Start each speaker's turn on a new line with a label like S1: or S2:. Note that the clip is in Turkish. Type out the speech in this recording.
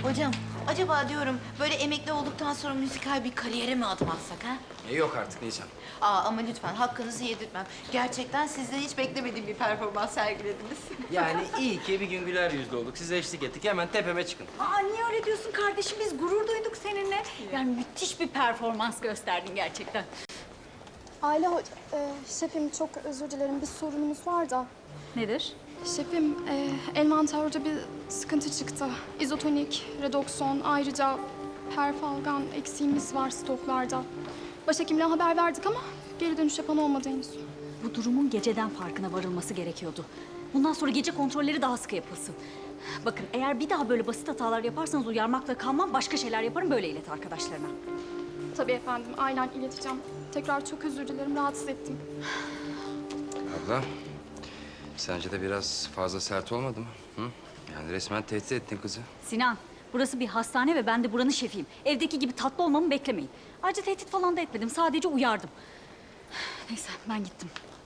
S1: Hocam, acaba diyorum böyle emekli olduktan sonra müzikal bir kariyere mi adım atsak ha?
S2: Yok artık Nisan.
S1: Ama lütfen hakkınızı yedirtmem. Gerçekten sizden hiç beklemediğim bir performans sergilediniz.
S2: Yani iyi ki bir gün güler yüzlü olduk. Size eşlik ettik. Hemen tepeme çıkın.
S3: Niye öyle diyorsun kardeşim? Biz gurur duyduk seninle. Yani müthiş bir performans gösterdin gerçekten.
S4: Ayla şefim çok özür dilerim, bir sorunumuz var da.
S3: Nedir?
S4: Şefim, envanterde bir sıkıntı çıktı. İzotonik, redokson, ayrıca perfalgan eksiğimiz var stoklarda. Başhekimle haber verdik ama geri dönüş yapan olmadı henüz.
S3: Bu durumun geceden farkına varılması gerekiyordu. Bundan sonra gece kontrolleri daha sıkı yapılsın. Bakın eğer bir daha böyle basit hatalar yaparsanız uyarmakla kalmam, başka şeyler yaparım, böyle ilet arkadaşlarına.
S4: Tabii efendim, aynen ileteceğim. Tekrar çok özür dilerim, rahatsız ettim.
S2: Abla, sence de biraz fazla sert olmadı mı? Hı? Yani resmen tehdit ettin kızı.
S3: Sinan, burası bir hastane ve ben de buranın şefiyim. Evdeki gibi tatlı olmamı beklemeyin. Ayrıca tehdit falan da etmedim, sadece uyardım. Neyse, ben gittim.